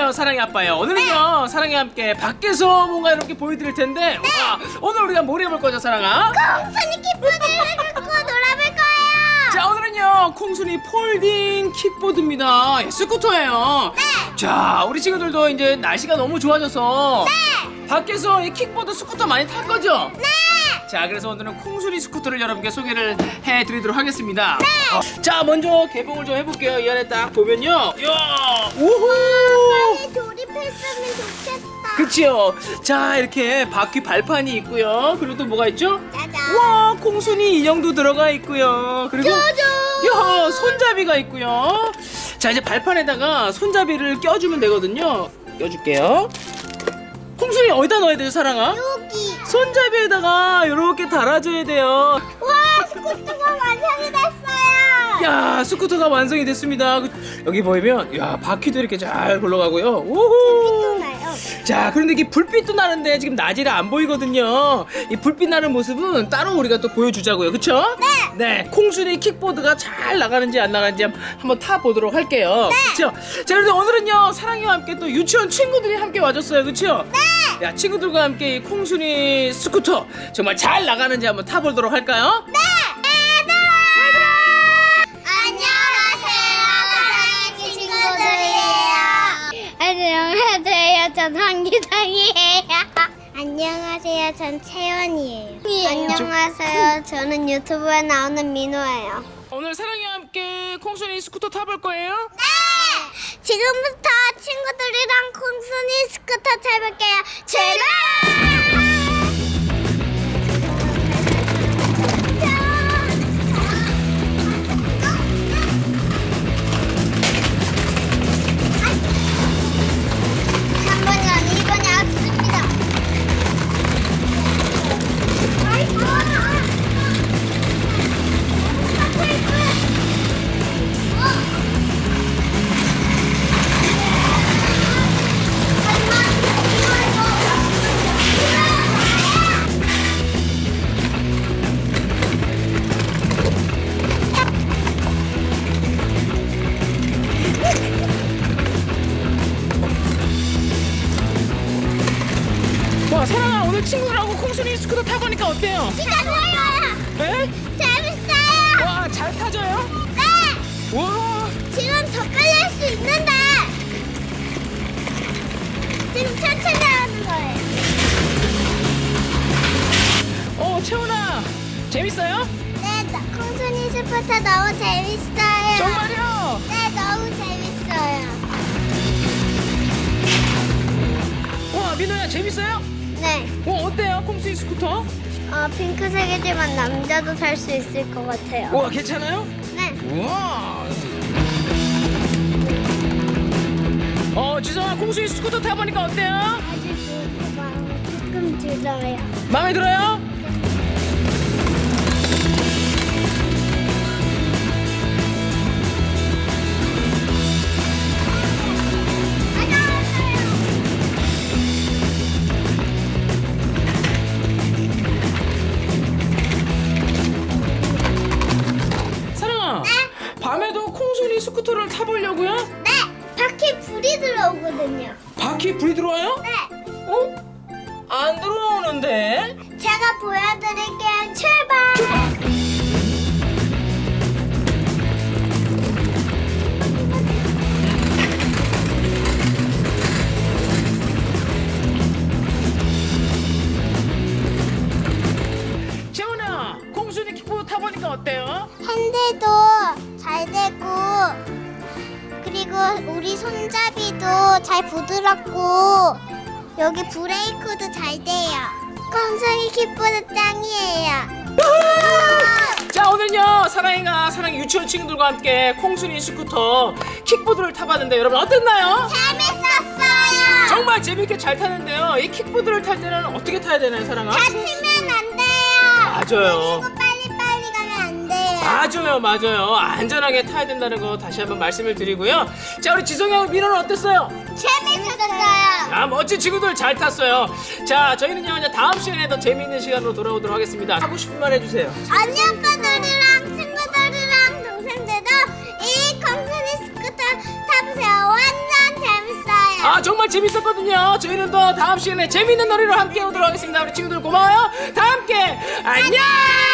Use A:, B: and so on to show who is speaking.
A: 안녕하세요, 사랑의 아빠예요. 오늘은요 사랑이 함께 밖에서 뭔가 이렇게 보여드릴 텐데 와, 오늘 우리가 뭘 해볼 거죠, 사랑아?
B: 콩순이 킥보드를 갖고 놀아볼 거예요.
A: 자, 오늘은요 콩순이 폴딩 킥보드입니다. 예, 스쿠터예요. 자, 우리 친구들도 이제 날씨가 너무 좋아져서 밖에서 이 킥보드 스쿠터 많이 탈 거죠? 자, 그래서 오늘은 콩순이 스쿠터를 여러분께 소개를 해드리도록 하겠습니다. 자, 먼저 개봉을 좀 해볼게요. 이 안에 딱 보면요, 이야, 우후,
B: 빨리 조립했으면 좋겠다.
A: 그치요. 자, 이렇게 바퀴 발판이 있고요. 그리고 또 뭐가 있죠?
B: 짜잔.
A: 와, 콩순이 인형도 들어가 있고요. 그리고
B: 짜잔.
A: 야, 손잡이가 있고요. 자, 이제 발판에다가 손잡이를 껴주면 되거든요. 껴줄게요. 콩순이 어디다 넣어야 돼요, 사랑아?
B: 여기.
A: 손잡이에다가 이렇게 달아줘야 돼요.
B: 와, 스쿠터가 완성이 됐어요.
A: 야, 스쿠터가 완성이 됐습니다. 여기 보이면 야, 바퀴도 이렇게 잘 굴러가고요. 우후.
B: 나요.
A: 자, 그런데 이게 불빛도 나는데 지금 낮이라 안 보이거든요. 이 불빛 나는 모습은 따로 우리가 또 보여주자고요. 그쵸? 네. 콩순이 킥보드가 잘 나가는지 안 나가는지 한번 타보도록 할게요. 그쵸? 자, 그런데 오늘은요 사랑이와 함께 또 유치원 친구들이 함께 와줬어요. 그쵸? 야, 친구들과 함께 이 콩순이 스쿠터 정말 잘 나가는지 한번 타보도록 할까요?
B: 안녕하세요, 사랑의 친구들이에요. 안녕하세요, 전 황기상이에요. 안녕하세요, 전 채연이에요. 안녕하세요, 저는 유튜브에 나오는 민호예요.
A: 오늘 사랑이와 함께 콩순이 스쿠터 타볼 거예요?
B: 네! 지금부터 친구들이랑 콩순이 스쿠터 타볼게요. 출발!
A: 와, 사랑아, 오늘 친구들하고 콩순이 스쿠터 타보니까 어때요?
B: 진짜 좋아요.
A: 네?
B: 재밌어요.
A: 와, 잘 타져요?
B: 네.
A: 와,
B: 지금 더 빨리 할 수 있는데 지금 천천히 하는 거예요.
A: 채원아, 재밌어요?
B: 네, 콩순이 스쿠터 너무 재밌어요.
A: 정말요?
B: 네, 너무 재밌어요.
A: 와, 민호야, 재밌어요?
B: 네,
A: 어때요, 콩순이 스쿠터?
B: 핑크색이지만 남자도 탈 수 있을 것 같아요.
A: 와, 괜찮아요?
B: 네,
A: 우와. 지성아, 콩순이 스쿠터 타보니까 어때요?
B: 아주 좋고 마음에 조금 들어요.
A: 마음에 들어요? 사랑아, 밤에도 콩순이 스쿠터를 타보려고요?
B: 네, 바퀴 불이 들어오거든요.
A: 바퀴 불이 들어와요?
B: 네,
A: 안 들어오는데?
B: 제가 보여드릴게요. 출발!
A: 재훈아, 콩순이 킥보드 타보니까 어때요?
B: 핸들도 잘 되고 그리고 우리 손잡이도 잘 부드럽고 여기 브레이크도 잘 돼요. 콩순이 킥보드 짱이에요.
A: 자, 오늘은요 사랑이가 사랑이 유치원 친구들과 함께 콩순이 스쿠터 킥보드를 타봤는데 여러분 어땠나요?
B: 재밌었어요.
A: 정말 재밌게 잘 타는데요. 이 킥보드를 탈 때는 어떻게 타야 되나요, 사랑아?
B: 다치면 안 돼요.
A: 맞아요.
B: 그리고 빨리빨리 가면 안 돼요.
A: 맞아요. 안전하게 타야 된다는 거 다시 한번 말씀을 드리고요. 자, 우리 지성이하고 민호는 어땠어요?
B: 재밌었어요.
A: 아, 멋진 친구들 잘 탔어요. 자, 저희는요 이제 다음 시간에 더 재미있는 시간으로 돌아오도록 하겠습니다. 하고 싶은 말 해주세요.
B: 언니 오빠들이랑 친구들이랑 동생들도 이 콩순이 스쿠터 타보세요. 완전 재밌어요.
A: 아, 정말 재밌었거든요. 저희는 또 다음 시간에 재밌는 놀이로 함께 오도록 하겠습니다. 우리 친구들 고마워요. 다 함께 안녕.